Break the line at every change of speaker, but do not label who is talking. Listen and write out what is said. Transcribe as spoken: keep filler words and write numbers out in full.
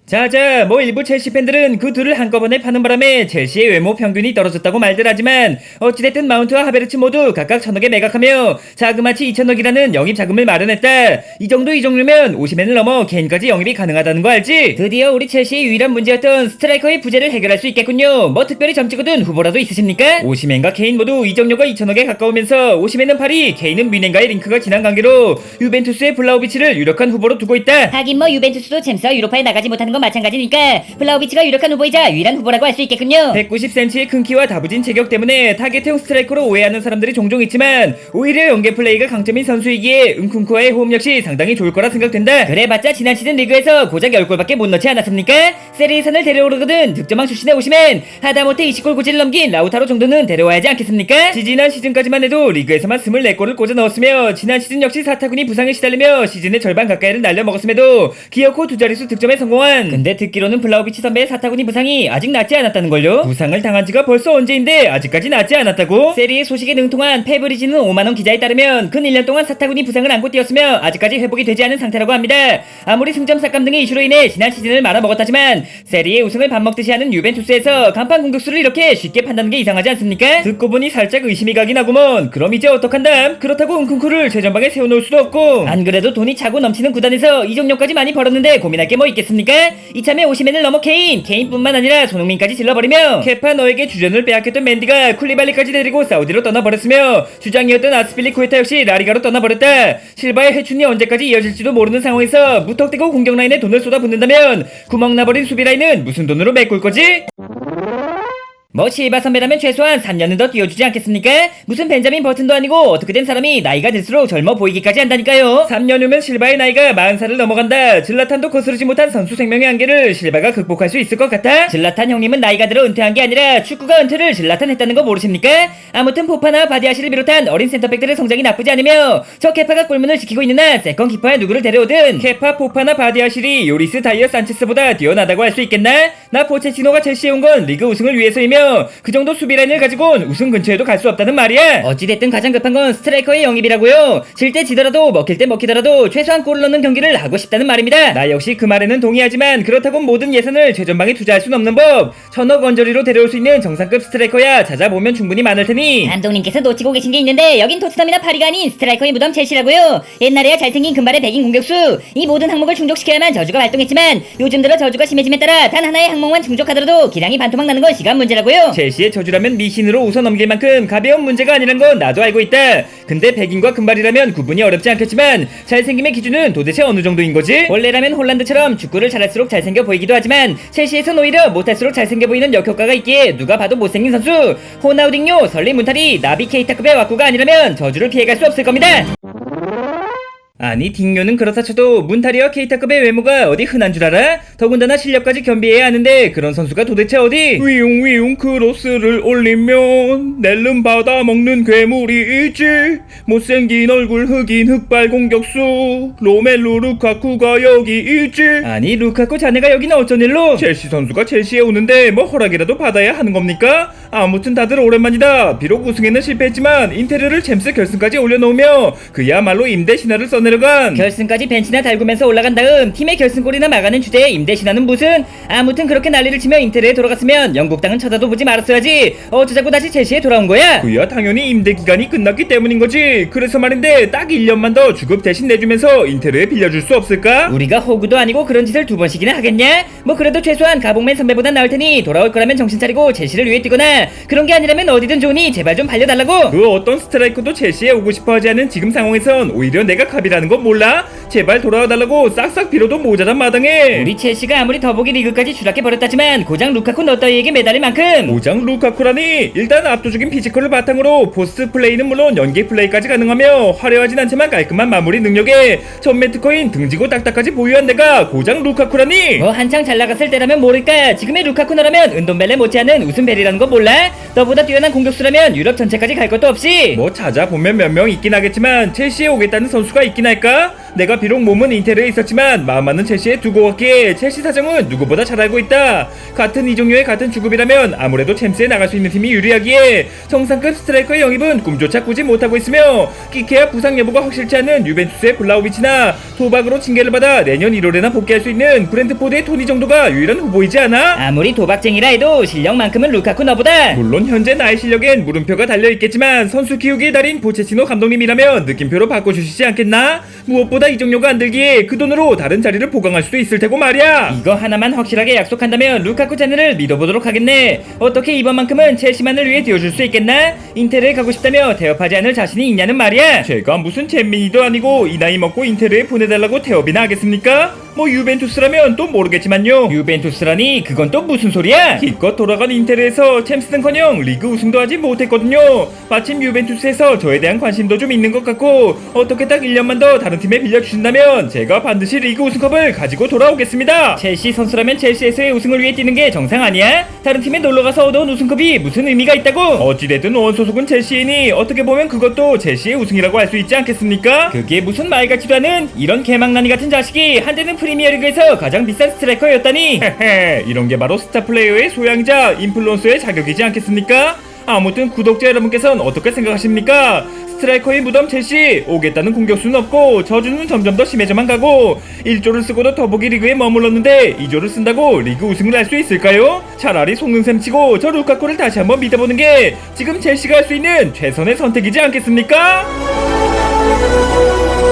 자자, 뭐 일부 첼시 팬들은 그 둘을 한꺼번에 파는 바람에 첼시의 외모 평균이 떨어졌다고 말들 하지만 어찌됐든 마운트와 하베르츠 모두 각각 천억에 매각하며 자그마치 이천억이라는 영입 자금을 마련했다. 이 정도 이 정도면 오시멘을 넘어 케인까지 영입이 가능하다는 거 알지? 드디어 우리 첼시의 유일한 문제였던 스트라이커의 부재를 해결할 수 있겠군요. 뭐 특별히 점 찍어둔 후보라도 있으십니까? 오시멘과 케인 모두 이적료가 이천억에 가까우면서 오시멘은 파리, 케인은 뮌헨과의 링크가 진한 관계로 유벤투스의 블라우비치를 유력한 후보로 두고 있다.
하긴 뭐 유벤투스도 챔스와 유로파에 나가지 못하는 건 마찬가지니까 블라우비치가 유력한 후보이자 유일한 후보라고 할 수 있겠군요.
백구십 센티미터의 큰 키와 다부진 체격 때문에 타겟형 스트라이커로 오해하는 사람들이 종종 있지만 오히려 연계 플레이가 강점인 선수이기에 은쿤쿠와의 호흡 역시 상당히 좋을 거라 생각된다. 그래봤자 지난 시즌 리그에서 고작 십 골밖에 못 넣지 않았습니까? 세리에선을 데려오르거든 득점왕 출신에 오시면 하다못해 이십 골 고지를 넘긴 라우타로 정도는 데려와야지 않겠습니까? 지지난 시즌까지만 해도 리그에서만 이십사 골을 꽂아 넣었으며 지난 시즌 역시 사타군이 부상에 시달리며 시즌의 절반 가까이를 날려먹었음에도 기어코 두 자릿수 득점에 성공한. 근데 듣기로는 블라우비치 선배의 사타구니 부상이 아직 낫지 않았다는걸요? 부상을 당한 지가 벌써 언제인데 아직까지 낫지 않았다고? 세리의 소식에 능통한 페브리지는 오만원 기자에 따르면 근 일 년 동안 사타구니 부상을 안고 뛰었으며 아직까지 회복이 되지 않은 상태라고 합니다. 아무리 승점 삭감 등의 이슈로 인해 지난 시즌을 말아먹었다지만 세리의 우승을 밥 먹듯이 하는 유벤투스에서 간판 공격수를 이렇게 쉽게 판다는 게 이상하지 않습니까? 듣고 보니 살짝 의심이 가긴 하구먼. 그럼 이제 어떡한담? 그렇다고 은쿤쿠를 최전방에 세워놓을 수도 없고 안 그래도 돈이 차고 넘치는 구단에서 이적료까지 많이 벌었는데 고민할 게 뭐 있겠습니까? 이참에 오시멘을 넘어 케인, 케인뿐만 아니라 손흥민까지 질러버리며 케파 너에게 주전을 빼앗겼던 맨디가 쿨리발리까지 데리고 사우디로 떠나버렸으며 주장이었던 아스필리쿠에타 역시 라리가로 떠나버렸다. 실바의 회춘이 언제까지 이어질지도 모르는 상황에서 무턱대고 공격 라인에 돈을 쏟아붓는다면 구멍나버린 수비 라인은 무슨 돈으로 메꿀 거지? 뭐 실바 선배라면 최소한 삼 년은 더 뛰어주지 않겠습니까? 무슨 벤자민 버튼도 아니고 어떻게 된 사람이 나이가 들수록 젊어 보이기까지 한다니까요. 삼 년 후면 실바의 나이가 마흔 살을 넘어간다. 질라탄도 거스르지 못한 선수 생명의 한계를 실바가 극복할 수 있을 것 같아? 질라탄 형님은 나이가 들어 은퇴한 게 아니라 축구가 은퇴를 질라탄 했다는 거 모르십니까? 아무튼 포파나 바디아시를 비롯한 어린 센터백들의 성장이 나쁘지 않으며 저 케파가 골문을 지키고 있는 한 세컨 키퍼에 누구를 데려오든 케파, 포파나 바디아실이 요리스 다이어 산체스보다 뛰어나다고 할 수 있겠나? 나 포체티노가 첼시에 온 건 리그 우승을 위해서이며 그 정도 수비라인을 가지고는 우승 근처에도 갈 수 없다는 말이야. 어찌됐든 가장 급한 건 스트라이커의 영입이라고요. 질 때 지더라도 먹힐 때 먹히더라도 최소한 골을 넣는 경기를 하고 싶다는 말입니다. 나 역시 그 말에는 동의하지만 그렇다고 모든 예산을 최전방에 투자할 순 없는 법. 천억 원저리로 데려올 수 있는 정상급 스트라이커야 찾아보면 충분히 많을 테니.
감독님께서 놓치고 계신 게 있는데 여긴 토트넘이나 파리가 아닌 스트라이커의 무덤 첼시라고요. 옛날에야 잘생긴 금발의 백인 공격수 이 모든 항목을 충족시켜야만 저주가 발동했지만 요즘 들어 저주가 심해짐에 따라 단 하나의 항목만 충족하더라도 기량이 반토막 나는 건 시간 문제라고요.
첼시의 저주라면 미신으로 웃어넘길 만큼 가벼운 문제가 아니란 건 나도 알고 있다. 근데 백인과 금발이라면 구분이 어렵지 않겠지만 잘생김의 기준은 도대체 어느 정도인 거지? 원래라면 홀란드처럼 축구를 잘할수록 잘생겨 보이기도 하지만 첼시에선 오히려 못할수록 잘생겨 보이는 역효과가 있기에 누가 봐도 못생긴 선수 호나우딩요, 설리 문타리, 나비 케이타급의 왁구가 아니라면 저주를 피해갈 수 없을 겁니다. 아니 딩요는 그렇다 쳐도 문타리와 케이타급의 외모가 어디 흔한 줄 알아? 더군다나 실력까지 겸비해야 하는데 그런 선수가 도대체 어디? 위웅 위웅 크로스를 올리면 낼름 받아먹는 괴물이 있지. 못생긴 얼굴 흑인 흑발 공격수 로멜루 루카쿠가 여기 있지. 아니 루카쿠 자네가 여기는 어쩐 일로? 첼시 선수가 첼시에 오는데 뭐 허락이라도 받아야 하는 겁니까? 아무튼 다들 오랜만이다. 비록 우승에는 실패했지만 인테리어를 챔스 결승까지 올려놓으며 그야말로 임대 신화를 써내 내려간 결승까지 벤치나 달구면서 올라간 다음 팀의 결승골이나 막아낸 주제에 임대신화는 무슨? 아무튼 그렇게 난리를 치며 인테리에 돌아갔으면 영국 땅은 쳐다도 보지 말았어야지. 어쩌자고 다시 첼시에 돌아온 거야? 그야 당연히 임대 기간이 끝났기 때문인 거지. 그래서 말인데 딱 일 년만 더 주급 대신 내주면서 인테리에 빌려줄 수 없을까? 우리가 호구도 아니고 그런 짓을 두 번씩이나 하겠냐? 뭐 그래도 최소한 가봉맨 선배보단 나을 테니 돌아올 거라면 정신 차리고 첼시를 위해 뛰거나 그런 게 아니라면 어디든 좋으니 제발 좀 발려달라고. 그 어떤 스트라이커도 첼시에 오고 싶어하지 않은 지금 상황에선 오히려 내가 갑이라 라는 건 몰라? 제발 돌아와달라고 싹싹 빌어도 모자란 마당에. 우리 첼시가 아무리 더보기 리그까지 추락해버렸다지만 고장 루카쿠 너 따위에게 매달릴 만큼. 고장 루카쿠라니? 일단 압도적인 피지컬을 바탕으로 포스트 플레이는 물론 연계 플레이까지 가능하며 화려하진 않지만 깔끔한 마무리 능력에 전매 특허인 등지고 딱딱까지 보유한 내가 고장 루카쿠라니? 뭐 한창 잘나갔을 때라면 모를까. 지금의 루카쿠 너라면 은돈벨레 못지않은 웃음벨이라는 거 몰라? 너보다 뛰어난 공격수라면 유럽 전체까지 갈 것도 없이. 뭐 찾아보면 몇 명 있긴 하겠지만 첼시에 오겠다는 선수가 있긴 할까? 내가 비록 몸은 인테리에 있었지만 마음만은 첼시에 두고 왔기에 첼시 사정은 누구보다 잘 알고 있다. 같은 이 종류의 같은 주급이라면 아무래도 챔스에 나갈 수 있는 팀이 유리하기에 정상급 스트라이커의 영입은 꿈조차 꾸지 못하고 있으며 끼케야 부상 여부가 확실치 않은 유벤투스의 블라우비치나 도박으로 징계를 받아 내년 일월에나 복귀할 수 있는 브렌트포드의 토니 정도가 유일한 후보이지 않아?
아무리 도박쟁이라 해도 실력만큼은 루카쿠 너보다.
물론 현재 나의 실력엔 물음표가 달려있겠지만 선수 키우기의 달인 포체티노 감독님이라면 느낌표로 바꿔주시지 않겠나? 무엇보다 이 종료가 안 들기에 그 돈으로 다른 자리를 보강할 수도 있을 테고 말이야.
이거 하나만 확실하게 약속한다면 루카쿠 자네를 믿어보도록 하겠네. 어떻게 이번만큼은 첼시만을 위해 뛰어줄 수 있겠나? 인테르에 가고 싶다며 태업하지 않을 자신이 있냐는 말이야.
제가 무슨 잼민이도 아니고 이 나이 먹고 인테르에 보내달라고 태업이나 하겠습니까? 뭐 유벤투스라면 또 모르겠지만요.
유벤투스라니 그건 또 무슨 소리야?
기껏 돌아간 인테르에서 챔스는커녕 리그 우승도 하지 못했거든요. 마침 유벤투스에서 저에 대한 관심도 좀 있는 것 같고 어떻게 딱 일 년만 더 다른 팀에 빌려주신다면 제가 반드시 리그 우승컵을 가지고 돌아오겠습니다.
첼시 선수라면 첼시에서의 우승을 위해 뛰는 게 정상 아니야? 다른 팀에 놀러가서 얻어온 우승컵이 무슨 의미가 있다고?
어찌됐든 원소속은 첼시이니 어떻게 보면 그것도 첼시의 우승이라고 할 수 있지 않겠습니까?
그게 무슨 말 같지도 않은 이런 개망나니 같은 자식이 한때는 프리미어리그에서 가장 비싼 스트라이커였다니.
헤헤, 이런 게 바로 스타 플레이어의 소양이자 인플루언서의 자격이지 않겠습니까? 아무튼 구독자 여러분께서는 어떻게 생각하십니까? 스트라이커의 무덤 첼시 오겠다는 공격수는 없고 저주는 점점 더 심해져만 가고 일 조를 쓰고도 더보기 리그에 머물렀는데 이 조를 쓴다고 리그 우승을 할 수 있을까요? 차라리 속는셈 치고 저 루카쿠를 다시 한번 믿어보는 게 지금 첼시가 할 수 있는 최선의 선택이지 않겠습니까?